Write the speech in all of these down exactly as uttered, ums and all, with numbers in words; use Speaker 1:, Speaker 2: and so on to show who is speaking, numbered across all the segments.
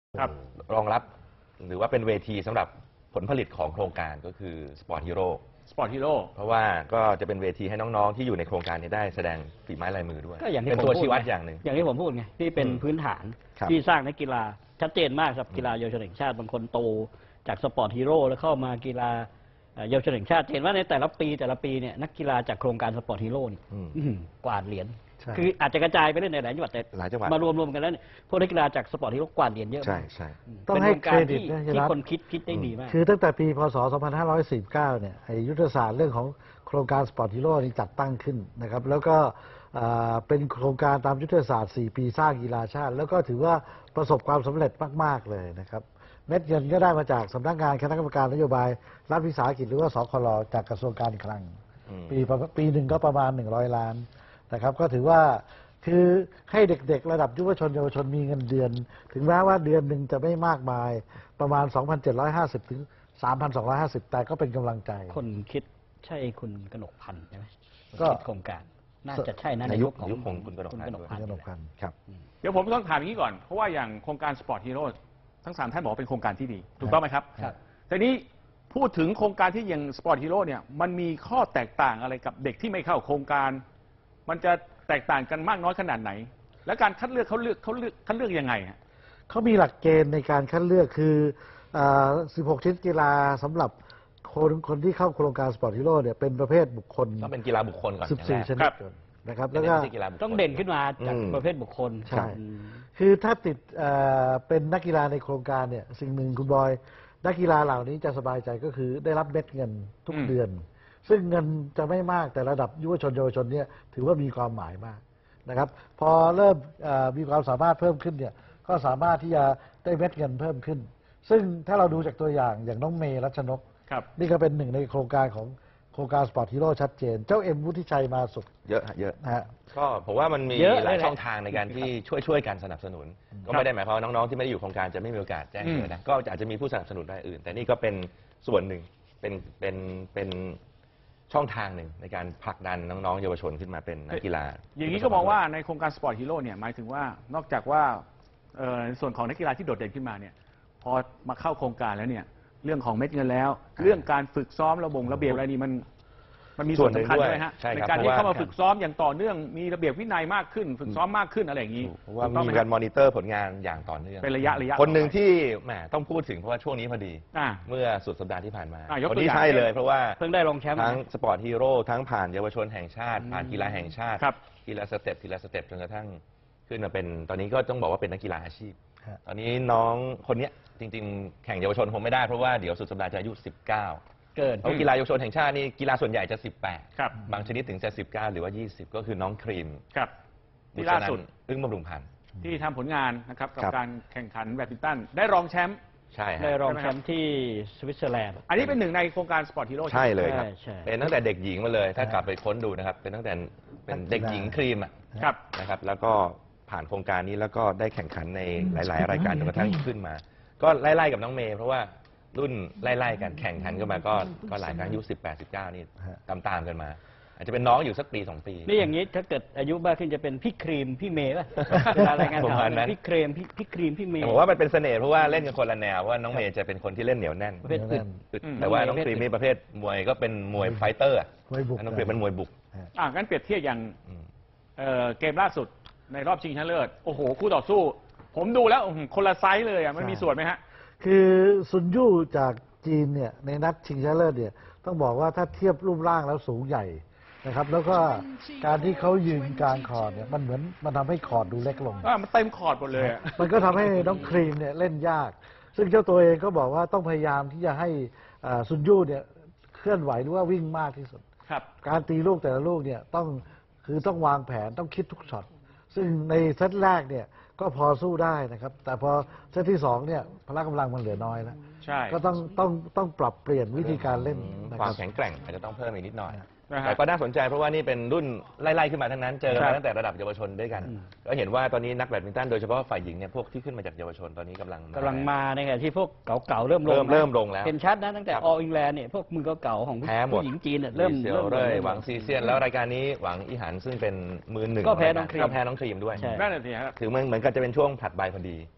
Speaker 1: ครับรองรับหรือว่าเป็นเวทีสำหรับผลผลิตของโครงการก็คือสปอร์ตฮีโร่
Speaker 2: สปอร์ตฮีโร่
Speaker 1: เพราะว่าก็จะเป็นเวทีให้น้องๆที่อยู่ในโครงการนี้ได้แสดงฝีไม้ลายมือด้วย
Speaker 3: ก็อย่างที่
Speaker 1: เป็นตัวชี้วัดอย่างหนึ่ง
Speaker 3: อย่างที่ผมพูดไงที่เป็นพื้นฐานที่สร้างนักกีฬาชัดเจนมากครับกีฬาเยาวชนแห่งชาติบางคนโตจากสปอร์ตฮีโร่แล้วเข้ามากีฬาเยาวชนแห่งชาติเห็นว่าในแต่ละปีแต่ละปีเนี่ยนักกีฬาจากโครงการสปอร์ตฮีโร่นี่กวาดเหรียญคืออาจจะกระจายไปเล่นในหลายจังหวัดแต่มารวมๆกันแล้วเนี่ยพวกนักกีฬาจากสปอร์ตฮีโร่กวาดเหรียญเยอะ
Speaker 4: ใช่ใช่ต้องให้เครดิตนะ
Speaker 3: ที่คนคิดคิดได้ดีมาก
Speaker 4: คือตั้งแต่ปีพศสองพันห้าร้อยสี่สิบเก้าเนี่ยยุทธศาสตร์เรื่องของโครงการสปอร์ตฮีโร่นี้จัดตั้งขึ้นนะครับแล้วก็เป็นโครงการตามยุทธศาสตร์สี่ปีสร้างกีฬาชาติแล้วก็ถือว่าประสบความสำเร็จมากๆเลยนะครับเม็ดเงินก็ได้มาจากสำนักงานคณะกรรมการนโยบายรัฐวิสาหกิจหรือว่าสคลจากกระทรวงการคลังปีปีหนึ่งก็ประมาณหนึ่งร้อยล้านนะครับก็ถือว่าคือให้เด็กๆระดับยุวชนเยาวชนมีเงินเดือนถึงแม้ว่าเดือนหนึ่งจะไม่มากมายประมาณ สองพันเจ็ดร้อยห้าสิบ ถึง สามพันสองร้อยห้าสิบ แต่ก็เป็นกำลังใจ
Speaker 3: คนคิดใช่คุณกนกพันธ์ใช่ไหมก็โครงการน่าจะใช่นะในยุคของ
Speaker 1: คุณกนกพันธ์
Speaker 4: ครับ
Speaker 2: เดี๋ยวผมต้องถามอย่างนี้ก่อนเพราะว่าอย่างโครงการสปอร์ตฮีโร่ทั้งสามท่านบอกเป็นโครงการที่ดีถูกต้องไหมครับครับแต่นี้พูดถึงโครงการที่อย่างสปอร์ตฮีโร่เนี่ยมันมีข้อแตกต่างอะไรกับเด็กที่ไม่เข้าโครงการมันจะแตกต่างกันมากน้อยขนาดไหนและการคัดเลือกเขาเลือกเขาเลือกคัดเลือกยังไงฮะ
Speaker 4: เขามีหลักเกณฑ์ในการคัดเลือกคือสิบหกชิ้นกีฬาสำหรับคนคนที่เข้าโครงการสปอร์ตฮีโร่เนี่ยเป็นประเภทบุคคล
Speaker 1: ต้องเป็นกีฬาบุคคลก่อน
Speaker 4: สิบสี่ชนิดนะครับแล้วก็
Speaker 3: ต้องเด่นขึ้นมาจากประเภทบุคคล
Speaker 4: ใช่คือถ้าติดเป็นนักกีฬาในโครงการเนี่ยสิ่งหนึ่งคุณบอยนักกีฬาเหล่านี้จะสบายใจก็คือได้รับเม็ดเงินทุกเดือนซึ่งเงินจะไม่มากแต่ระดับยุวชนเยาวชนเนี่ยถือว่ามีความหมายมากนะครับพอเริ่มมีความสามารถเพิ่มขึ้นเนี่ยก็สามารถที่จะได้เม็ดเงินเพิ่มขึ้นซึ่งถ้าเราดูจากตัวอย่างอย่างน้องเมย์รัชนกนี่ก็เป็นหนึ่งในโครงการของโครงการสปอร์ตฮีโร่ชัดเจนเจ้าเอ็มวุฒิชัยมาสุด
Speaker 1: เยอะเยอะนะฮะก็ผมว่ามันมีหลายช่องทางในการที่ช่วยช่วยกันสนับสนุนก็ไม่ได้หมายความว่าน้องๆที่ไม่ได้อยู่โครงการจะไม่มีโอกาสแจ้งเกิดนะก็อาจจะมีผู้สนับสนุนรายอื่นแต่นี่ก็เป็นส่วนหนึ่งเป็นเป็นเป็นช่องทางหนึ่งในการผลักดันน้องๆเยาวชนขึ้นมาเป็นนักกีฬา
Speaker 2: อย่างนี้ก็มองว่าในโครงการสปอร์ตฮีโร่เนี่ยหมายถึงว่านอกจากว่าในส่วนของนักกีฬาที่โดดเด่นขึ้นมาเนี่ยพอมาเข้าโครงการแล้วเนี่ยเรื่องของเม็ดเงินแล้วเรื่องการฝึกซ้อมระบบระเบียบอะไรนี่มันมันมีส่วนสำคัญด้วยฮะในการที่เข้ามาฝึกซ้อมอย่างต่อเนื่องมีระเบียบวินัยมากขึ้นฝึกซ้อมมากขึ้นอะไรอย่างนี้
Speaker 1: เพราะว่ามีการมอนิเตอร์ผลงานอย่างต่อเนื่อง
Speaker 2: เป็นระยะระยะ
Speaker 1: คนหนึ่งที่แหมต้องพูดถึงเพราะว่าช่วงนี้พอดีเมื่อสุดสัปดาห์ที่ผ่านมาคนนี้ใช่เลยเพราะว่า
Speaker 3: เพิ่งได้รองแชมป์
Speaker 1: ทั้งสปอร์ตฮีโร่ทั้งผ่านเยาวชนแห่งชาติผ่านกีฬาแห่งชาติกีฬาสเต็ปกีฬาสเต็ปจนกระทั่งขึ้นมาเป็นตอนนี้ก็ต้องบอกว่าเป็นนักกีฬาอาชีพตอนนี้น้องคนนี้จริงๆแข่งเยาวชนคงไม่ได้เพราะว่าเดี๋ยวสุดสัปดาห์จะอายุสิบเก้า
Speaker 3: เกิน
Speaker 1: เพราะกีฬาเยาวชนแห่งชาตินี่กีฬาส่วนใหญ่จะสิบแปดบางชนิดถึงจะสิบเก้าหรือว่ายี่สิบก็คือน้องครีม
Speaker 2: ครับที่ล่าสุด
Speaker 1: อึ้งบำรุงพันธ์
Speaker 2: ที่ทำผลงานนะครับกับการแข่งขันแบดมินตันได้รองแชมป์
Speaker 1: ใช่
Speaker 3: ได้รองแชมป์ที่สวิตเซอร์แลนด์
Speaker 2: อันนี้เป็นหนึ่งในโครงการสปอร์ตฮีโร่
Speaker 1: ใช่เลยครับเป็นตั้งแต่เด็กหญิงมาเลยถ้ากลับไปค้นดูนะครับเป็นตั้งแต่เป็นเด็กหญิงครีมอ่ะนะครับแล้วก็ผ่านโครงการนี้แล้วก็ได้แข่งขันในหลายๆรายการจนกระทั่งขึ้นมาก็ไล่ๆกับน้องเมย์เพราะว่ารุ่นไล่ๆกันแข่งขันกันมาก็ก็หลายครั้งอายุสิบแปดสิบเก้านี่ตามๆกันมาอาจจะเป็นน้องอยู่สักปีสองปี
Speaker 3: นี่อย่างนี้ถ้าเกิดอายุมากขึ้นจะเป็นพี่ครีมพี่เมย์ป่ะเวลารายงานข่าวพี่ครีมพี่ครีมพี่เมย์
Speaker 1: ผมว่ามันเป็นเสน่ห์เพราะว่าเล่นกันคนละแนวว่าน้องเมย์จะเป็นคนที่เล่นเหนียวแน่นแต่ว่าน้องครีมนี่ประเภทมวยก็เป็นมวยไฟเตอร์น้องครีมเป็นมวยบุก
Speaker 2: อ่างั้นเปรียบเทียบอย่างเกมล่าสุดในรอบชิงชนะเลิศโอ้โหคู่ต่อสู้ผมดูแล้วคนละไซส์เลยอ่ะมันมีส่วนไหมฮะ
Speaker 4: คือซุนยู่จากจีนเนี่ยในนัดชิงชนะเลิศเนี่ยต้องบอกว่าถ้าเทียบรูปร่างแล้วสูงใหญ่นะครับแล้วก็การที่เขายืนกลางคอร์ดเนี่ยมันเหมือนมันทำให้คอร์ดดูเล็กลง
Speaker 2: อ่ามันเต็มคอร์ดหมดเลย
Speaker 4: มันก็ทำให้น้องครีมเนี่ยเล่นยากซึ่งเจ้าตัวเองก็บอกว่าต้องพยายามที่จะให้ซุนยู่เนี่ยเคลื่อนไหวหรือว่าวิ่งมากที่สุด
Speaker 2: ครับ
Speaker 4: การตีลูกแต่ละลูกเนี่ยต้องคือต้องวางแผนต้องคิดทุกช็อตซึ่งในเซตแรกเนี่ยก็พอสู้ได้นะครับแต่พอเซตที่สองเนี่ยพละกำลังมันเหลือน้อยแล้วก็ต้องต้องต้องปรับเปลี่ยนวิธีการเล่น
Speaker 1: ความแข็งแกร่งอาจจะต้องเพิ่มอีกนิดหน่อยแต่ก็น่าสนใจเพราะว่านี่เป็นรุ่นไล่ๆขึ้นมาทั้งนั้นเจอกันมาตั้งแต่ระดับเยาวชนด้วยกันก็เห็นว่าตอนนี้นักแบดมินตันโดยเฉพาะฝ่ายหญิงเนี่ยพวกที่ขึ้นมาจากเยาวชนตอนนี้กำลัง
Speaker 3: กำลังมาในขณะที่พวกเก่าๆเริ่มลง
Speaker 1: เริ่มลงแล้ว
Speaker 3: เห็นชัดนะตั้งแต่ออลอิงแลนด์เนี่ยพวกมือเก่าๆของผู้หญิงจีนเริ่ม
Speaker 1: เริ่มเลยหวังซีเซียนแล้วรายการนี้หวังอีหันซึ่งเป็นมือหนึ่ง
Speaker 3: ก็แพ้น้องครีม
Speaker 1: ก็แพ้น้องครีมด้วย
Speaker 2: นั่นแหละสิครับ
Speaker 1: ถือมันเหมือนกับจะเป็นช่วงผลัดใบพอดี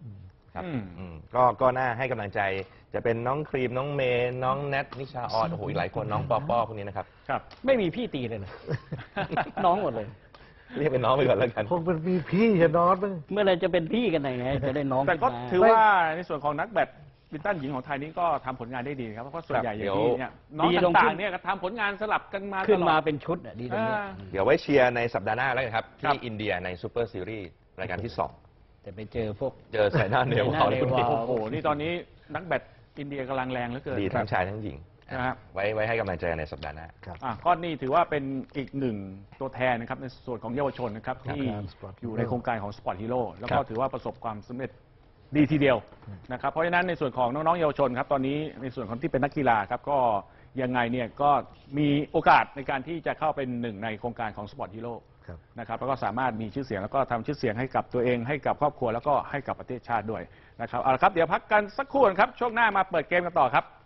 Speaker 1: ครับ
Speaker 2: อืม
Speaker 1: อืมก็ก็น่าให้กำลังใจจะเป็นน้องครีมน้องเมย์น้องแนทนิชาออนโอ้โหอีกหลายคนน้องปอปอพวกนี้นะครับ
Speaker 2: ครับ
Speaker 3: ไม่มีพี่ตีเลยเหรอ น้องหมดเลย
Speaker 1: เรียกเป็นน้องไปก่อนแล้วกัน
Speaker 4: คงเป็นมีพี่จะนอนมั้ง
Speaker 3: เมื่อไรจะเป็นพี่กันไหนไงจะได้น้อง
Speaker 2: แต่ก็
Speaker 3: ขึ้นมา
Speaker 2: ถือว่าในส่วนของนักแบดมินตันหญิงของไทยนี้ก็ทำผลงานได้ดีครับเพราะว่าส่วนใหญ่อย่างที่เนี่ยน้อง
Speaker 3: ดีลง
Speaker 2: ต่า
Speaker 3: ขึ้
Speaker 2: ง
Speaker 3: น
Speaker 2: ๆเนี่ยก็ทำผลงานสลับกันมา
Speaker 3: ขึ้น
Speaker 2: ตลอด
Speaker 3: มาเป็นชุดอะดีตรงนี้
Speaker 2: อ่า
Speaker 1: เดี๋ยวไว้เชียร์ในสัปดาห์หน้าแล้วกันครับ
Speaker 2: ครับ
Speaker 1: ที่อินเดียในซูเปอร์ซีรีส์รายการที่สอง
Speaker 3: แต่ไปเจอพวก
Speaker 1: เจอไซน่าเนวาล
Speaker 3: ไซน่าเนวาล
Speaker 1: คุณพี่
Speaker 2: โอ้โหนี่ตอนนี้นักแบดอินเดียกำลังแรงเหลือเกิน
Speaker 1: ดีทั้งชายทั้งหญิง
Speaker 2: นะครับ
Speaker 1: ไว้ไว้ให้กำลังใจในสัปดาห์หน้า
Speaker 4: ครับ
Speaker 2: อ่ะก็นี่ถือว่าเป็นอีกหนึ่งตัวแทนนะครับในส่วนของเยาวชนนะครับที่
Speaker 4: ครับ Sport
Speaker 2: อยู่ในโครงการของ Sport Hero แล้ว
Speaker 1: ครั
Speaker 2: ก็
Speaker 1: บ
Speaker 2: ถือว่าประสบความสำเร็จดีทีเดียวนะครับเพราะฉะนั้นในส่วนของน้องๆเยาวชนครับตอนนี้ในส่วนของที่เป็นนักกีฬาครับก็ยังไงเนี่ยก็มีโอกาสในการที่จะเข้าเป็นหนึ่งในโครงการของ Sport Hero
Speaker 4: ครับ
Speaker 2: นะครับแล้วก็สามารถมีชื่อเสียงแล้วก็ทำชื่อเสียงให้กับตัวเองให้กับครอบครัวแล้วก็ให้กับประเทศชาติด้วยนะครับเอาละครับเดี๋ยวพักกันสักครู่นะครับช่วงหน้ามาเปิดเกมกันต่อครับ